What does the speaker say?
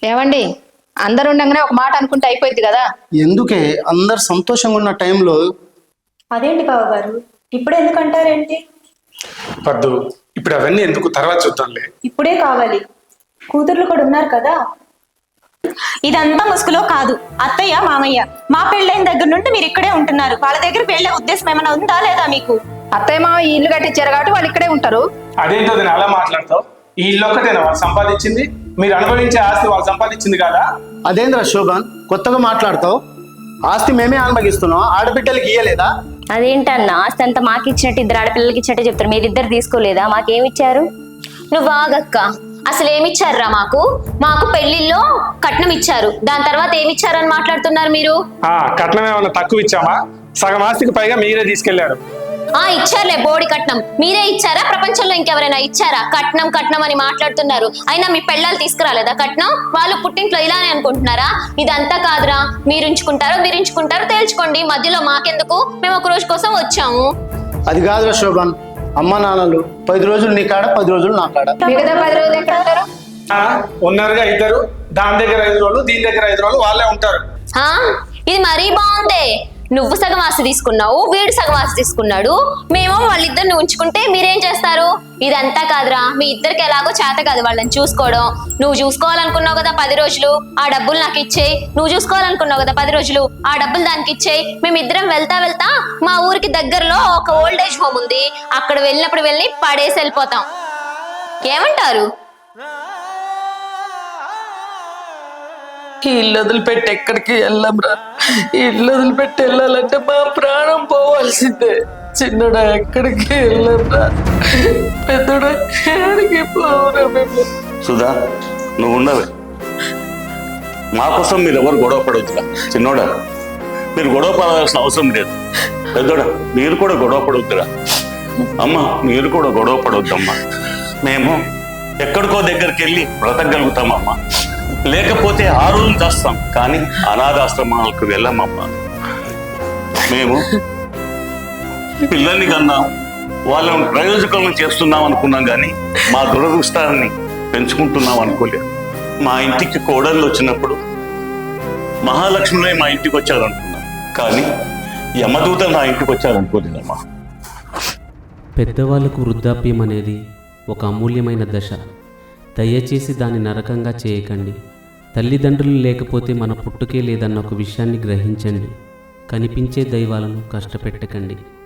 ఏమండి, అందరు ఉండగానే ఒక మాట అనుకుంటే అయిపోయింది కదా. ఎందుకే అందరు సంతోషంగా ఉన్న టైంలో అదేంటి బావగారు, ఇప్పుడు ఎందుకంటారేంటి? పద్దు, ఇప్పుడు అవన్నీ ఎందుకు, తర్వాత చూద్దాంలే. ఇప్పుడే కావాలి, కూతుర్లు కూడా ఉన్నారు కదా. ఇదంతా ముసుగులో కాదు. అత్తయ్య మామయ్య మా పెళ్ళైన దగ్గర నుండి మీరు ఇక్కడే ఉంటున్నారు. వాళ్ళ దగ్గర వెళ్ళే ఉద్దేశం ఏమైనా ఉందా లేదా మీకు? అత్తయ్య మామ ఈ ఇల్లు కట్టించారు కాబట్టి వాళ్ళు ఇక్కడే ఉంటారు. అదేంటో నేను అలా మాట్లాడతావు? ఈ ఇల్లు ఒక్కటేనా వాళ్ళు సంపాదించింది? మీరు అనుభవించే ఆస్తి వాళ్ళు సంపాదించింది కదా. అదేంద్ర శోభన్ కొత్తగా మాట్లాడతావు? ఆస్తి మేమే అనుభవిస్తున్నాం, ఆడబిడ్డలకి ఇయ్యలేదా? అదేంటన్నా, ఆస్తి అంతా మాకు ఇచ్చినట్టు ఇద్దరు ఆడపిల్లలకి ఇచ్చినట్టే చెప్తారు. మీరిద్దరు తీసుకోలేదా? మాకేమిచ్చారు? నువ్వు ఆగక్క, అసలు ఏమిచ్చారురా? మాకు పెళ్లిల్లో కట్నం ఇచ్చారు, దాని తర్వాత ఏమిచ్చారు అని మాట్లాడుతున్నారు మీరు. కట్నం ఏమన్నా తక్కువ ఇచ్చామా? సగం ఆస్తికి పైగా మీరే తీసుకెళ్లారు. ఇచ్చారులే బోడి కట్నం. మీరే ఇచ్చారా? ప్రపంచంలో ఇంకెవరైనా ఇచ్చారా? కట్నం కట్నం అని మాట్లాడుతున్నారు. అయినా మీ పెళ్ళాలు తీసుకురాలేదా కట్నం? వాళ్ళు పుట్టింట్లో ఇలానే అనుకుంటున్నారా? ఇదంతా కాదురా, మీరు ఉంచుకుంటారో తేల్చుకోండి. మధ్యలో మాకెందుకు? మేము ఒక రోజు కోసం వచ్చాము. అది కాదురా శోభన్, అమ్మ నాన్నలు 10 రోజులు నీ కాడ, 10 రోజులు నా కాడ. మిగతా 10 రోజులు ఎక్కడ ఉంటారు? ఉన్నారుగా ఇద్దరు, దాని దగ్గర 5 రోజులు, దీని దగ్గర 5 రోజులు వాళ్ళే ఉంటారు. ఇది మరీ బాగుందే. నువ్వు సగం ఆస్తి తీసుకున్నావు, వీడు సగం ఆస్తి తీసుకున్నాడు. మేము వాళ్ళిద్దరిని ఉంచుకుంటే మీరేం చేస్తారు? ఇదంతా కాదురా, మీ ఇద్దరికి ఎలాగో చేత కాదు వాళ్ళని చూసుకోవడం. నువ్వు చూసుకోవాలనుకున్నావు కదా 10 రోజులు, ఆ డబ్బులు నాకు ఇచ్చేయి. నువ్వు చూసుకోవాలనుకున్నావు కదా 10 రోజులు, ఆ డబ్బులు దానికి ఇచ్చేయి. మేమిద్దరం వెళ్తా మా ఊరికి దగ్గరలో ఒక ఓల్డ్ ఏజ్ హోమ్ ఉంది, అక్కడ వెళ్ళినప్పుడు వెళ్ళి పడేసి వెళ్ళిపోతాం. ఏమంటారు? ఈ ఇల్లు వదిలిపెట్టి ఎక్కడికి వెళ్ళంరా. ఈ ఇల్లు వదిలిపెట్టి వెళ్ళాలంటే మా ప్రాణం పోవాల్సిందే. చిన్నడా ఎక్కడికి వెళ్ళంరా, పెద్దడా ఎక్కడికి పోవురా మేము. సుధా, నువ్వు ఉండవే. మా కోసం మీరు ఎవరు గొడవ పడవద్దురా. చిన్నోడా, మీరు గొడవ పడాల్సిన అవసరం లేదు. పెద్దోడా, మీరు కూడా గొడవ పడవద్దురా. అమ్మ, మీరు కూడా గొడవ పడవద్దమ్మా. మేము ఎక్కడికో దగ్గరికి వెళ్ళి బ్రతకగలుగుతామమ్మా. లేకపోతే ఆ రోజు చేస్తాం, కానీ అనాథాశ్రమాలకు వెళ్ళమమ్మా. మేము పిల్లల్ని కన్నా వాళ్ళని ప్రయోజకులను చేస్తున్నాం అనుకున్నాం, కానీ మా దురదృష్టాన్ని పెంచుకుంటున్నాం అనుకోలేదు. మా ఇంటికి కోడళ్ళు వచ్చినప్పుడు మహాలక్ష్మినే మా ఇంటికి వచ్చారనుకున్నాం, కానీ యమదూత నా ఇంటికి వచ్చారనుకోలేదమ్మా. పెద్దవాళ్ళకు వృద్ధాప్యం అనేది ఒక అమూల్యమైన దశ. దయచేసి దాన్ని నరకంగా చేయకండి. తల్లిదండ్రులు లేకపోతే మన పుట్టుకే లేదన్న ఒక విషయాన్ని గ్రహించండి. కనిపించే దైవాలను కష్టపెట్టకండి.